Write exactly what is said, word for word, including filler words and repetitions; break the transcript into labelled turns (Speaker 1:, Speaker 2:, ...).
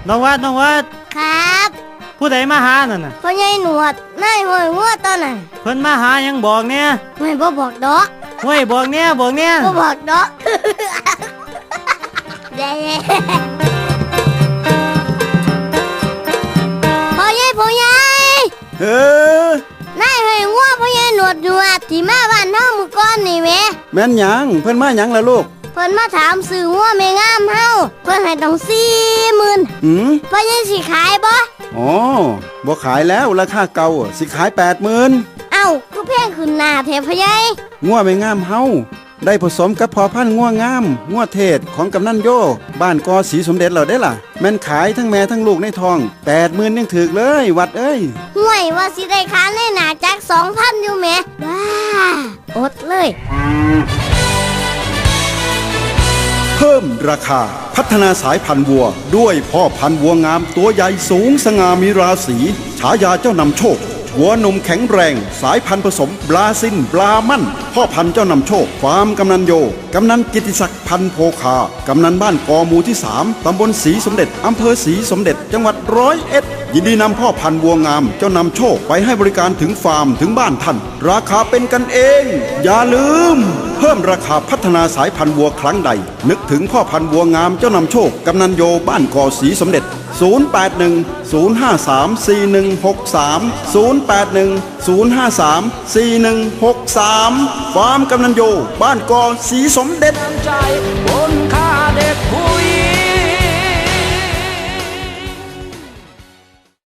Speaker 1: น้องวัดน้องวัด
Speaker 2: ครับ
Speaker 1: ผู้ใดมาหานั่นน่ะ
Speaker 2: พ่อใหญ่หนวดนายห้อยงัวตอนน่ะ
Speaker 1: เพิ่นมาหายังบอกเนี่ย
Speaker 2: ไม่บ่บอกดอก
Speaker 1: ห้วยบอกเนี่ยบอกเนี่ย
Speaker 2: บ่บอกดอกเด้พ่อใหญ่พ่อใหญ่
Speaker 3: เอ
Speaker 2: อนายห้อยงัวพ่อใหญ่หนวดหนวดที่มาบ้านเฮามื้อก่อนนี่แหม
Speaker 3: แม่นหยังเพิ่นมาหยังล่ะลูก
Speaker 2: เพิ่นมาถามซื้องัวแม่งามเฮาเพิ่นให้ต้อง สี่หมื่น
Speaker 3: หืม
Speaker 2: พ่อใหญ่สิขายบ่
Speaker 3: อ๋อบ่ขายแล้วราคาเก่าสิขาย แปดหมื่น
Speaker 2: เอ้าคือแพงขึ้นหน้าแท้พ่อใหญ่
Speaker 3: งัวแม่งามเฮาได้ผสมกับพอพันธุ์งัวงามงัวเทศของกำนันโยบ้านกอสีสมเด็จเราได้ล่ะแม่นขายทั้งแม่ทั้งลูกในท้อง แปดหมื่นยังถึกเลยวัดเอ้ย
Speaker 2: ห่วยว่าสิได้ค้าในหน้าจัก สองพัน อยู่แหมว้าอดเลย
Speaker 3: เพิ่มราคาพัฒนาสายพันธุ์วัวด้วยพ่อพันธุ์วัวงามตัวใหญ่สูงสง่ามีราศีฉายาเจ้านำโชควัวนมแข็งแรงสายพันธุ์ผสมบราซินบรามั่นพ่อพันธุ์เจ้านำโชคฟาร์มกำนันโยกำนันกิติศักดิ์พันธุ์โพคากำนันบ้านกอหมู่ที่สามตำบลศรีสมเด็จอำเภอศรีสมเด็จจังหวัดร้อยเอ็ดยินดีนำพ่อพันธุ์วัวงามเจ้านำโชคไปให้บริการถึงฟาร์มถึงบ้านท่านราคาเป็นกันเองอย่าลืมเพิ่มราคาพัฒนาสายพันธุ์วัวครั้งใดนึกถึงพ่อพันธุ์วัวงามเจ้านำโชคกำนันโยบ้านกอศรีสมเด็จศูนย์ แปด หนึ่ง ศูนย์ ห้า สาม สี่ หนึ่ง หก สาม ศูนย์ แปด หนึ่ง ศูนย์ ห้า สาม สี่ หนึ่ง หก สามฟาร์มกำนันโยบ้านกอศรีสมเด็จ